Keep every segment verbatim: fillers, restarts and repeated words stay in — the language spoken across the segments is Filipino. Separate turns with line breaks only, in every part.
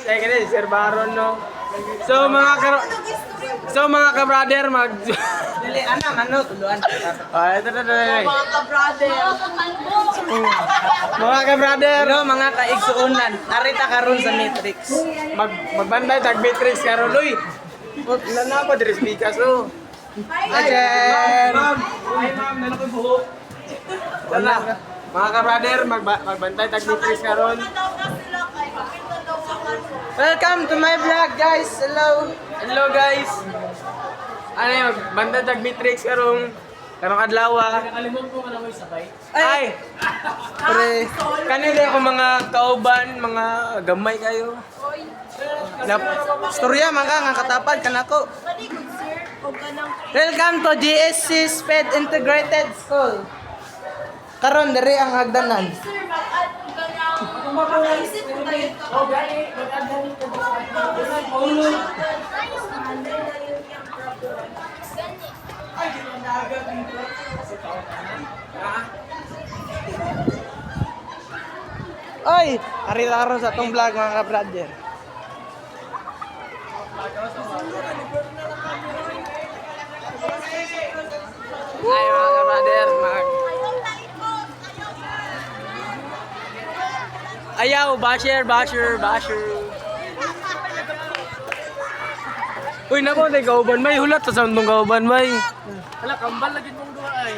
Ay, kaya Sir Baron, no? So, mga ka... So, mga ka-brother, mag...
Dili, anam, ano, tuluan.
Ah, ito, ito, ito, ito.
Mga ka-brother.
Mga ka-brother,
Pero mga kaigsuunan, narita karon sa Matrix.
mag magbanday tag Matrix karon uy. Wala na ako diri speakers oh. Ajen. Hi ma'am, nalo ko buhok. Wala. Mga ka-brother, mag magbantay tag Matrix karon.
Welcome to my vlog, guys. Hello.
Hello guys. Ano yung magbantay tag Matrix karon. Karong adlaw.
Nakalimot mo ka na mo sabay.
Ay. Pre, kanila ako mga kauban, mga gamay kayo.
Na, storya man ka nga katapad kanako. Welcome to G S C Sped Integrated School. Karon diri ang hagdanan. Oy, arita karon sa tong vlog mga ka-brother.
Ay mga ka-brother, mag... Ayaw, basher, basher, basher. Uy, nako, tayo kauban may hulat sa sound mong kauban may.
Wala kambal lagi mong duha ay.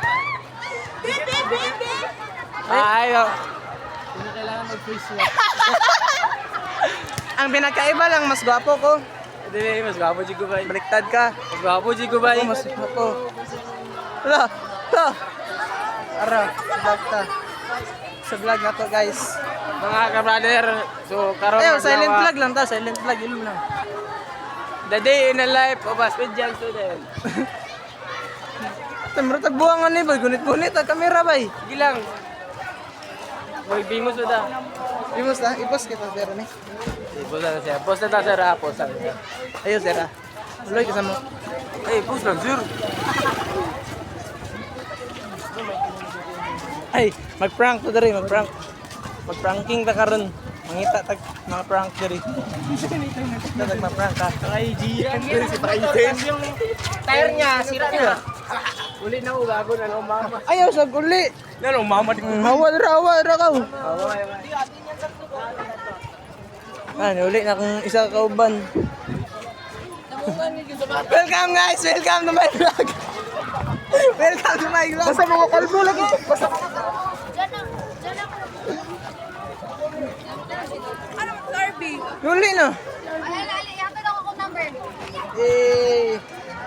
Ay, oh.
Hindi kailangan mag-face swap. Ang pinakaiba lang mas gwapo ko.
Hindi, mas gwapo si Kubay.
Baliktad ka.
Mas gwapo si Kubay.
Ako mas gwapo. Hala, to. Ara, sa vlog ta. Sa vlog na to, guys.
Mga ka-brother, so karon
Ayaw,
adlaw,
silent
ah,
vlog lang ta, silent vlog ilum lang.
The day in the life of a special student.
Temro tagbuangan ni boy, gunit-gunit ang kamera bay.
Sige lang. Boy, bimos mo ta.
Imos na, ipos kita sir ni.
Post na siya. Post na ta, sir. ah. Post na siya.
Ayo sir. ah. Uloy kasama.
Ay, post lang, sir.
Ay, mag-prank to diri, mag-prank. Mag-pranking ta karon. Mangita tag mga prank diri. Tag mag-prank ka.
I G yan.
Si Biden.
Yung tire niya, sira na. Uli na ko, gago na nung mama.
Ayaw sa guli.
Na nung mama.
Hawa ra, hawa ra ka. Ah, uli na kung isa ka kauban. Welcome guys, welcome to my vlog. Welcome to my vlog. Basta mga kalbo lagi. Basta mga
Ano, Darby?
uli na.
Ay, ala, ala, yata lang ako number.
Eh.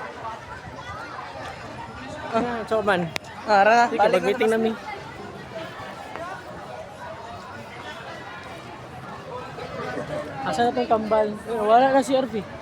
Ah, so man.
Ah, ra.
Sige, mag-meeting namin. Asa na tong kambal? Eh, wala na si R V.